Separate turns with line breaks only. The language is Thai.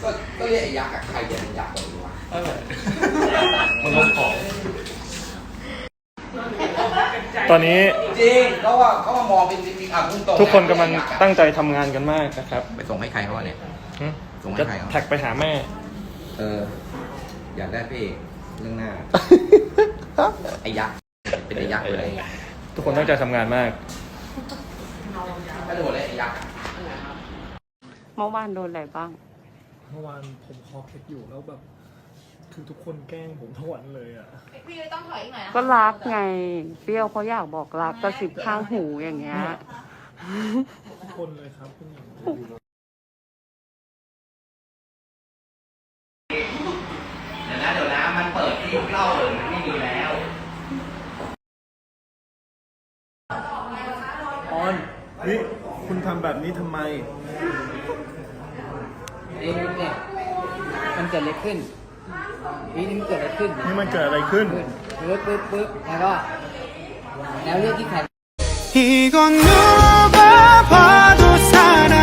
ก็เรียกไอ้ยักษ์อะใครจะเป็นยักษ์ตัวนี้วะ
มันลงของตอนนี้
จริงเขามามองเป็นจริงๆพุ่งตรง
ทุกคนกำลังตั้งใจทำงานกันมากนะครับ
ไปส่งให้ใครเขาเนี่ยส่งให้
จะ
ใครเขา
แท็กไปหาแม่
อยากได้พี่เรื่องหน้าไอ้ยักษ์เป็นไอ้ยักษ์เลย
ทุกคนตั้งใจทำงานมาก
ถ้าโดนเลยไอ้ยักษ์
เมื่อวานโดนอะไรบ้าง
เมื่อวานผมคอเคล็ดอยู่แล้วแบบคือทุกคนแกล้งผมทั้งวันเลยอ่ะ
พี่ต้องถอยอีกหน่อย
ก็รักไงเปรี้ยวเขาอยากบอกรักกระซิบข้างหูอย่างเงี้ย
ทุกคนเลยครับคุณหญิง
เดี๋ยวนะมันเปิดที่เล่าเลยมันไม่มีแล้ว
ออนนี่คุณทำแบบนี้ทำไม
เนี่ยมันเกิดอะไรขึ้นนี่มันเกิดอะไรขึ้น
นี่มันเกิดอะไรขึ้น
ปึ๊บแล้วเรื่องที่ใคร
이건 누가 봐도 사람